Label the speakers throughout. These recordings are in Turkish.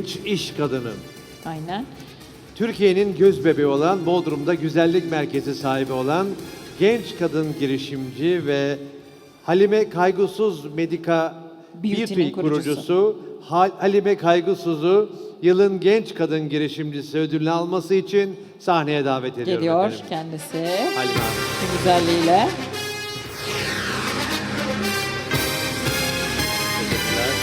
Speaker 1: genç iş kadını.
Speaker 2: Aynen.
Speaker 1: Türkiye'nin göz bebeği olan Bodrum'da güzellik merkezi sahibi olan genç kadın girişimci ve Halime Kaygısız Medika
Speaker 2: Beauty'nin
Speaker 1: Beauty kurucusu Halime Kaygısız'u yılın genç kadın girişimcisi ödülünü alması için sahneye davet ediyorum.
Speaker 2: Geliyor
Speaker 1: efendim.
Speaker 2: kendisi.
Speaker 1: Halime Hanım.
Speaker 2: Bu güzelliğiyle.
Speaker 1: Teşekkürler.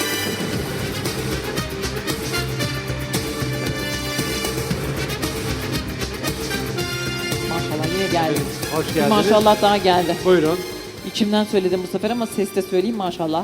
Speaker 2: Maşallah yine geldi.
Speaker 1: Evet, hoş
Speaker 2: Bir
Speaker 1: geldiniz.
Speaker 2: maşallah daha geldi.
Speaker 1: Buyurun.
Speaker 2: İçimden söyledim bu sefer ama sesle söyleyeyim maşallah.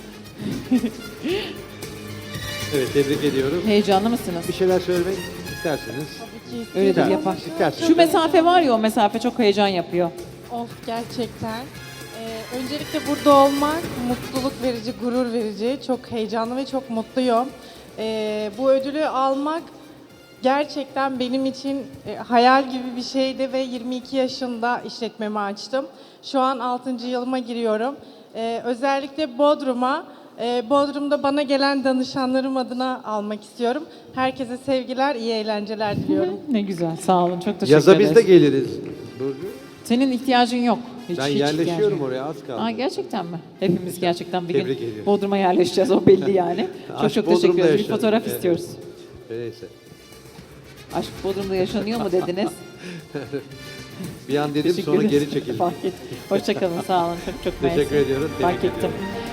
Speaker 1: Evet, tebrik ediyoruz.
Speaker 2: Heyecanlı mısınız?
Speaker 1: Bir şeyler söylemek isterseniz.
Speaker 2: Öyledir
Speaker 1: İster-
Speaker 2: yapar.
Speaker 1: isterseniz.
Speaker 2: Şu mesafe var ya, o mesafe çok heyecan yapıyor.
Speaker 3: Of gerçekten. Öncelikle burada olmak mutluluk verici, gurur verici. Çok heyecanlı ve çok mutluyum. Bu ödülü almak gerçekten benim için hayal gibi bir şeydi ve 22 yaşında işletmemi açtım. Şu an 6. yılıma giriyorum. Özellikle Bodrum'da bana gelen danışanlarım adına almak istiyorum. Herkese sevgiler, iyi eğlenceler diliyorum.
Speaker 2: Ne güzel, sağ olun. Çok teşekkür
Speaker 1: Yaza
Speaker 2: ederiz.
Speaker 1: biz de geliriz. Burcu.
Speaker 2: Senin ihtiyacın yok. Hiç,
Speaker 1: Ben
Speaker 2: hiç ihtiyacın
Speaker 1: yerleşiyorum
Speaker 2: yok.
Speaker 1: oraya, az kaldı.
Speaker 2: Aa, gerçekten mi? Hepimiz gerçekten bir gün
Speaker 1: Tebrik ediyorum.
Speaker 2: Bodrum'a yerleşeceğiz, o belli yani. çok
Speaker 1: Aşk
Speaker 2: çok teşekkür
Speaker 1: Bodrum'da
Speaker 2: ederiz. Bir
Speaker 1: yaşanır.
Speaker 2: fotoğraf
Speaker 1: Evet.
Speaker 2: istiyoruz.
Speaker 1: Neyse.
Speaker 2: Aşk Bodrum'da yaşanıyor mu dediniz?
Speaker 1: Bir an dedim
Speaker 2: Teşekkür
Speaker 1: sonra
Speaker 2: ederiz.
Speaker 1: geri çekildim.
Speaker 2: Fark ettim. Hoşçakalın, sağ olun. Çok çok
Speaker 1: Teşekkür
Speaker 2: mersi.
Speaker 1: ediyoruz,
Speaker 2: Fark
Speaker 1: tebrik
Speaker 2: ettim.
Speaker 1: ediyorum.